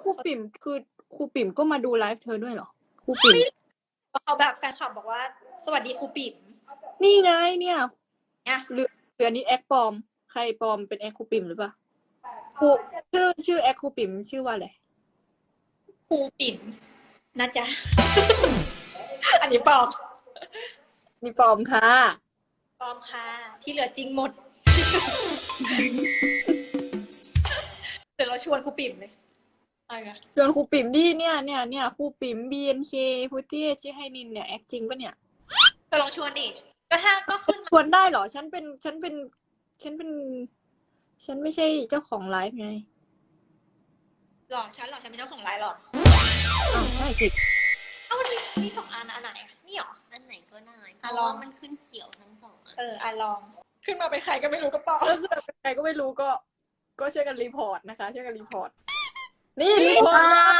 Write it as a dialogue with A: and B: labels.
A: รูปิ่มคือครูปิ่มก็มาดูไลฟ์เธอด้วยเหรอครูปิ่ม
B: เขาแบบแฟนคลับบอกว่าสวัสดีครูปิ่ม
A: นี่ไงเนี่ย
B: เนี่ย
A: หรืออันนี้แอคปลอมใครปลอมเป็นแอคครูปิ่มหรือเปล่าครูชื่อแอคครูปิ่มชื่อว่าอะไร
B: ครูปิ่มนะจ๊ะ อันนี้ปลอม
A: นี่ปลอมค่ะ
B: ปลอมค่ะ ที่เหลือจริงหมด เดี๋ยวเราชวนครูปิ่มเลยอะไรนะ
A: ชวนครูปิ่มดิเนี่ยครูปิ่ม BNK พุทธิชิให้นินเนี่ยแอคจริงปะเนี่ย
B: ก็ลองชวนดิก็ถ้าก็ขึ้น
A: ชวนได้เหรอฉันไม่ใช่เจ้าของไลฟ์ไง
B: หรอฉันเป็นเจ้าของไลน์หรอ
A: อ้าวใช่สิ
B: เอ้ามันมีสองอันอันไหนนี่หรอ
C: อันไหนก็ได้เพ
B: อ่ะ
C: ราะ
B: ลอง
C: ว่ามันขึ้นเขียวทั้งสองอัน
B: อ่ะลอง ขึ้นมาเป็นใครก็ไม่รู้ก็เปล่า
A: ก็คือเป็นใครก็ไม่รู้ก็ช่วยกันรีพอร์ตนะคะช่วยกันรีพอร์ตนี่รีพอร์ต